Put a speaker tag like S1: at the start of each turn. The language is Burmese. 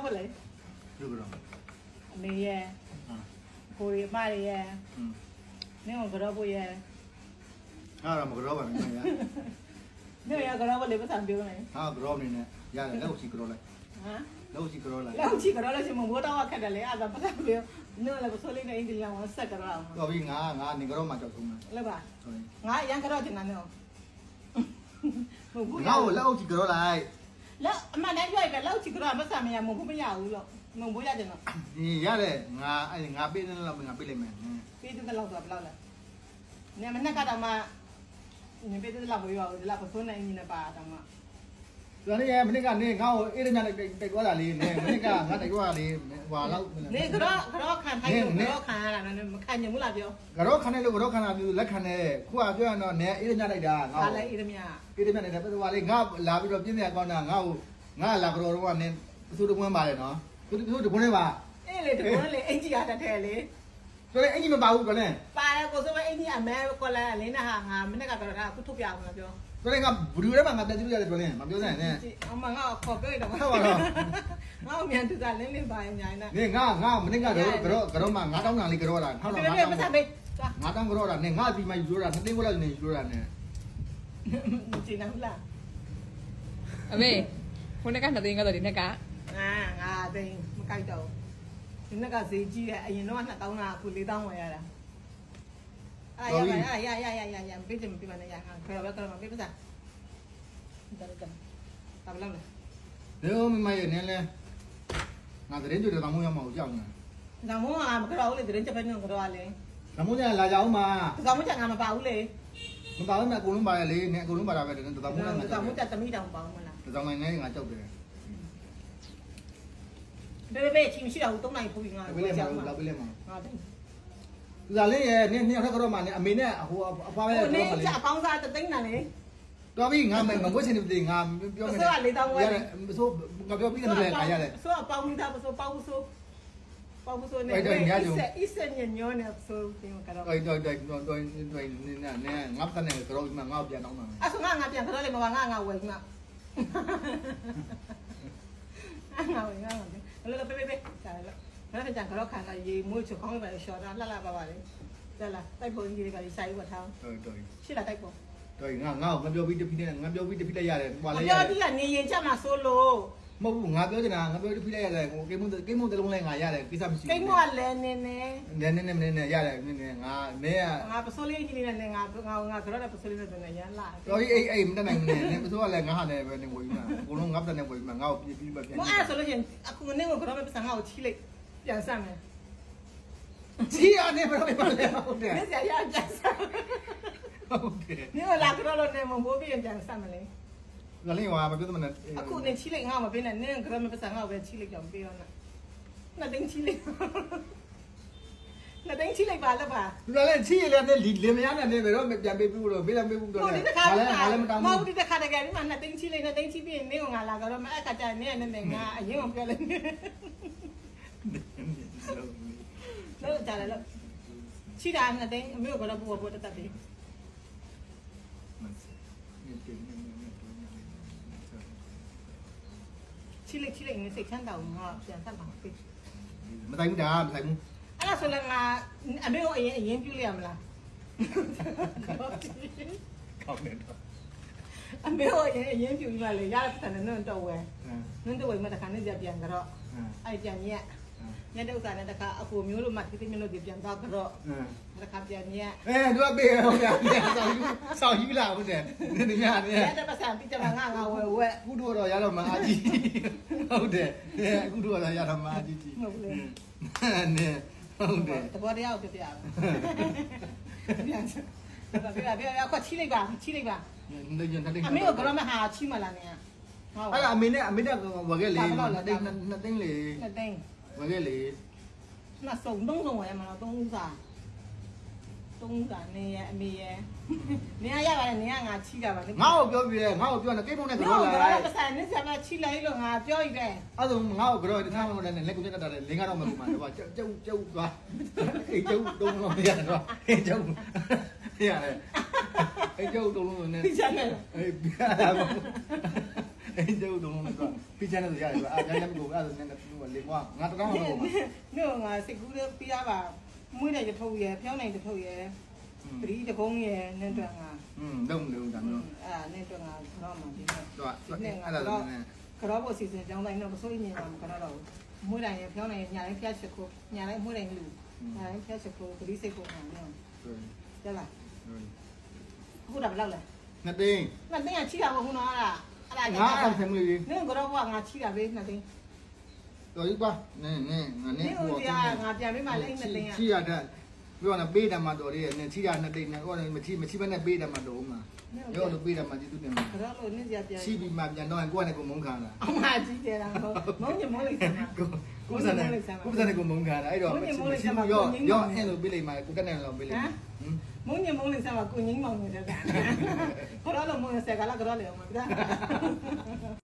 S1: 不嘞？
S2: 六个人。
S1: 没耶，可以买耶。你我可不耶？
S2: 啊，没个老板没呀。
S1: 你要可不嘞不上标嘞？
S2: 啊，个老板呢？呀，老几个老来。
S1: 啊？
S2: 老几个老来。
S1: 老几个老来是我到我看的嘞，啊，不上标，你那不说嘞，那一定让我死个了。
S2: 老比我你个老妈叫什么？
S1: 来吧，我养个老就难了。
S2: 我老几个老来。
S1: แล้วมาได้ย่อยแบบแล้วจิกระมาสามีมึงก็ไม่อยากรู้หรอกมึงบ่อยากจังเนาะ
S2: นี่ยาเลยงาเป็นเราเป็นงาเป็นเลยแม่
S1: ปีตึ้งตะเราตัวเราละเนี่ยมันน่ะก็ตมาเนี่ยปีตึ้งเราบ่อยู่เราก็ส่วนในนี่นะป่าตมา
S2: ตัวนี้มันนี่ก็นี่เงาเอ๊ะเนี่ยได้กว่าล่ะเลยเนี่ยมันนี่ก็งาได้กว่าเลยว่าเรา
S1: นี่กระคันไทยกระคันอะไรนั่นมันคันยังบ่ล่ะเปียว
S2: กระคันเนี่ยลูกกระคันอ่ะလက်ခံတယ်ခုကပြောရတော့เนี่ยเอ๊ะเนี่ยလိုက်တာငါ
S1: อะไรอีตะเมีย
S2: เอ๊ะเนี่ยเนี่ยว่าလေငါလာပြီးတော့ပြင်းနေကောင်းတာငါလာကြောတော့ကเนี่ยသူတကွန်းပါတယ်နော်သူတကွန်းလေးပါ
S1: အေးလေတကွန်းလေအင်ကြီးရတတ်တယ်လေ
S2: ဆိုတော့အင်ကြီးမပါဘူးကလည်း
S1: ပါရကိုဆိုမအင်ကြီးအမဲကိုလည်းလင်းနာဟာငါမနေ့ကတော့အခုထုတ်ပြအောင်လားပြော
S2: ဆိုတော့ငါဘူရီထဲမှာငါတက်ကြည့်ရတယ်ပြောရင်မပြောနိုင်နဲ့
S1: အမငါခေါ်ပြောတော့
S2: ဟုတ်ပါတော့
S1: ငါမြန်သူကလင်းလင်းပါညာနေ
S2: နေငါမနေ့ကတော့မှ9000တန်လေးကြောတာ
S1: ထောက်တော့9000မစားပေး
S2: 9000ကြောတာနေငါဒီမှာယူရတာ2သိန်းခွဲလောက်နေယူရတာနဲ့
S1: จริงนะဟုတ်လား
S3: အမေခုနက2သိန်းကတော့ဒီနေ့က
S1: ငါသိန်းမကြိုက်တော့ဒီနေ့ကဈေးကြီးတယ်အရင်တော့2000ကအခု4000ဝယ်ရတာအဲ့ရပေးချင်မပြပါနဲ့ရခါခေါ်တော့မပေးပါစားတော်တော်တာဘလောက်လဲ
S2: လေမမရဲ့နင်းလဲငါသတင်းကြွတယ်တောင်မိုးရောက်မှာကြောက်နေ
S1: ဒါမို့ငါမကြောက်လေသတင်းချက်ပဲနေကြောက်လေ
S2: ဒါမိုးကလာကြအောင်ပါ
S1: ဒါမို့ချက်ငါမပါဘူးလေ
S2: မပါဘူးနဲ့အကုန်လုံးပါရလေနဲ့အကုန်လုံးပါတာပဲဒါမိုးနဲ့ငါ
S1: ဒါမို့ချက်သမီးတောင်ပါမလား
S2: ဒါမို့နဲ့ငါကြောက်တယ်
S1: ဘေးချင်းရှိတော့3နိုင်ပို့ပြီးငါ
S2: ကြောက်မှာလောက်ပြလဲမှာ
S1: ဟာတယ်
S2: ဒါလေးရဲ့နင်းနှစ်ယောက်ထက်ကတော့မှနဲ့အမေနဲ့ဟိုအဖွားပဲ
S1: တော့မလေးနင်းအပေါင်းစားတသိန်းနဲ့လေ
S2: တော်ပြီငါမဝတ်ချင်တယ်ငါပြောမယ်
S1: ဆိုတော့4000ဝယ်ရတယ်
S2: ဆိုငါပြောပြီးတယ်လေငါရတယ်
S1: ဆိုတော့ပေါင်းမိသားဆိုပေါင်းဆိုနေအစ်စညညောနေဆိုပြီးမကတော့
S2: တော်နဲ့ငါတနဲ့ကတော့မှငါပြန်တော့မှာ
S1: အဲ့ဆိုငါပြန်ကတော့လေမပါငါဝယ်မှာငါဝယ်လောပေးကြာလောနောက်ထပ်ကတော့ခံလာရေမွေးချောင်းပဲရှော့တာလှပါပါလေတက်လာတိုက်ဖို့ကြီးတွေကလည်းစာရေးဝတ်ထား
S2: တော်
S1: ရှိလာတိုက်ဖို့
S2: တော်ငါပြောပြီးတပိနဲ့ငါပြောပြီးတပိလိုက်ရတယ်
S1: ဟွာလေပြောပြီးကနေရင်ချက်မှာဆိုလို့
S2: မဟုတ်ဘူးငါပြောချင်တာငါပြောတပိလိုက်ရတယ်ဟိုကိမုန်းတလုံးလဲငါရတယ်ကိစ္စမရှိဘူး
S1: ကိမုန်းကလည်း
S2: နဲရတယ်နဲငါမဲ
S1: ငါပစိုးလေးကြီးလေးနဲ့ငါကတော့ပစိုးလေးနဲ့ရမ်းလာ
S2: တော်ကြီးအဲ့မတက်နိုင်ဘူးနဲပစိုးကလည်းငါဟာလည်းပဲနေဝေးမှာအကုန်လုံးငါတက်နေဝေးမှာငါ့ကိုပြီးပဲပြန်
S1: မအဲ့ဆိုလို့ချင်းအခုနေကတော့ပစံငါ့ကိုချီးလိုက်ပြန်ဆမ်းမယ်
S2: ချီးရနေဘယ်လိုမှလဲဟုတ်တယ်
S1: နေစရာပြန်ဆမ်း
S2: ဟုတ်တယ်
S1: နေလာကတော့လည်းမမိုးပြီးပြန်ဆမ်းမလဲ
S2: ငါလေးကမပြောသမနဲ့
S1: အခုနေချီးလိုက်ငါမပေးနဲ့နင်းကတော့ပစံငါ့ကိုပဲချီးလိုက်ကြောင်ပေးတော့နှစ်သိန်းချီးလိုက်နှစ်သိန်းချီးလိုက်ပါလားပါ
S2: သူလည်းချီးရလည်းလင်မရနဲ့ဘယ်တော့ပြန်ပေးပြီးတော့ပေးလည်းပေးဘူးတော့လည်းငါလည်းမတောင်းဘူး
S1: မဟုတ်ဒီတစ်ခါတကယ်ဒီမှာနှစ်သိန်းချီးလိုက်နှစ်သိန်းချီးပြီးနေကငါလာကတော့မအဲ့ခါကျနေနဲ့ငါအရင်ကပြောလိုက်လို့ကြတယ်လို့ချီတာနှစ်သိန်းအမေကတော့ပို့တက်ပြီချီလိုက်နေစိတ်ချမ်းသာအောင်ငါပြန်ဆက်ပါပြီ
S2: မတိုင်းဘူးဒါမတိုင်းဘူး
S1: အဲ့ဒါဆိုလည်းငါအမေကိုအရင်ပြုလိုက်ရမလား
S2: ကောင်းတယ်တော့
S1: အမေကိုအရင်ပြုပြီးမှလေရတဲ့တဲ့နွန်းတော့ဝဲနွန်းတော့ဝဲမှတခါနဲ့ပြန်ကတော့အဲ့ပြန်ညတဲ့ဥစ္စာနဲ့တခါအကိုမျိုးလို့မှတိတိမျိုးလို့ပြန်တော့ကတော့တခါပြန်ည
S2: သူကပေးဟုတ်တယ်ဆောင်းယူလာဟုတ်တယ်နေညနေ
S1: ရတဲ့ပတ်စံပြီးကြမှာငါဝဲ
S2: အခုတော့ရတော့မအားကြီးဟုတ်တယ်အခုတော့ရတော့မအားကြီးကြီး
S1: ဟုတ်လေ
S2: နေဟုတ်တယ်
S1: တဘောတရားကိုပြပြအောင်ပြန်ခွက်ချီလိုက်ပါအမေကတော့မဟာချီမလာနဲ့
S2: ဟုတ်အဲ့အမေနဲ့ဝယ်ခဲ့လေ2သိန်းလေ
S1: 2သိန်း
S2: ဝယ်ခဲ့လေ
S1: 那手动ဝယ်မှာတော့3ဦးစာနေရအမေရနေရပါတယ်နေရငါချီတာပါ
S2: ငါ့ကိုပြောပြီးတယ်ငါ့ကိုပြောနေကိမုန်းနဲ့ကြောလာ
S1: တယ်ပတ်စံနေစမှာချီလိုက်လို့ငါပြောရတယ်
S2: အဲ့ဒါငါ့ကိုကြောတခါမှမလဲလက်ကိုတက်တာလေလင်းကတော့မကူမှာတော့ကျုပ်သွားအေးကျုပ်တုံးလို့မရတော့အေးကျုပ်ရတယ်အေးကျုပ်တုံးလို့နဲ့
S1: ပြချင်တယ်
S2: အေးပြတာအဲ့ကျုပ်တော့တော့ပြချင်တယ်ရတယ်အာကြိုင်လည်းမကိုအဲ့ဒါနဲ့လေကွာငါတောင်းတော့မှာ
S1: နော်ငါစိတ်ကူးလေးပြရပါမွေးနိုင်တထုတ်ရယ်ဖျောင်းနိုင်တထုတ်ရယ်ပရိတကုန်းရယ်နဲ့တွက်ငါ
S2: တော့မလို့ဒါမျိုး
S1: အဲ့ဒါနဲ့တွက်ငါတော့မှဒီနဲ့
S2: တော့
S1: နဲ့ငါ
S2: အဲ့ဒါ
S1: တော့
S2: နဲ့
S1: ကတော့ဖို့စီစဉ်ကြောင်းတိုင်းတော့မစိုးရင်တော့ကတော့မွေးနိုင်ရယ်ဖျောင်းနိုင်ရယ်ညာတိုင်းဖျက်ချက်ကိုညာတိုင်းမွေးနိုင်လူညာတိုင်းဖျက်ချက်ကိုပရိစိတ်ကိုညာနော်ကျလားအခုတော့ဘယ်လောက်လဲ
S2: နှစ်သိန်း
S1: ငါတင်းကချိတာပေါ့ခုနော်အဲ့ဒါ
S2: ငါအဲ့ဆယ်မလေး
S1: နင်းကတော့ကငါချိတာပဲနှစ်တင်း
S2: တော်ကြီးကွာနင်းငါ
S1: န
S2: နဲ့
S1: င်းဦးကငါပြန်ပေးမှလည်းနှစ်တင်းอ่ะ
S2: ချီရတဲ့ပြောတာပေးတယ်မှာတော်သေးတယ်နင်းချီရနှစ်သိန်းနဲ့ဟိုမချီဘဲနဲ့ပေးတယ်မှာတော်မှာရောလို့ပေးတယ်မှာကျေးဇူးတင်ပါ
S1: ကတော့လို့နင်းစရာပြန်
S2: ချီပြီးမှပြန်တော့ကိုယ့်နဲ့ကိုမုန်းခံတာ
S1: အမကြီးတယ်လားမုံညမုံလေးစမ်း
S2: ကိုစနေကိုမုန်းခံတာအဲ့တော့ရောအဲ့လိုပေးလိုက်မှာကိုတက်နေတော့ပေးလိုက်
S1: မုံညမုံလေးစမ်းမှာကိုငင်းမောင်နေတဲ့ကတော့လို့မုံဆက်ကားလာကတော့လေအောင်မပြ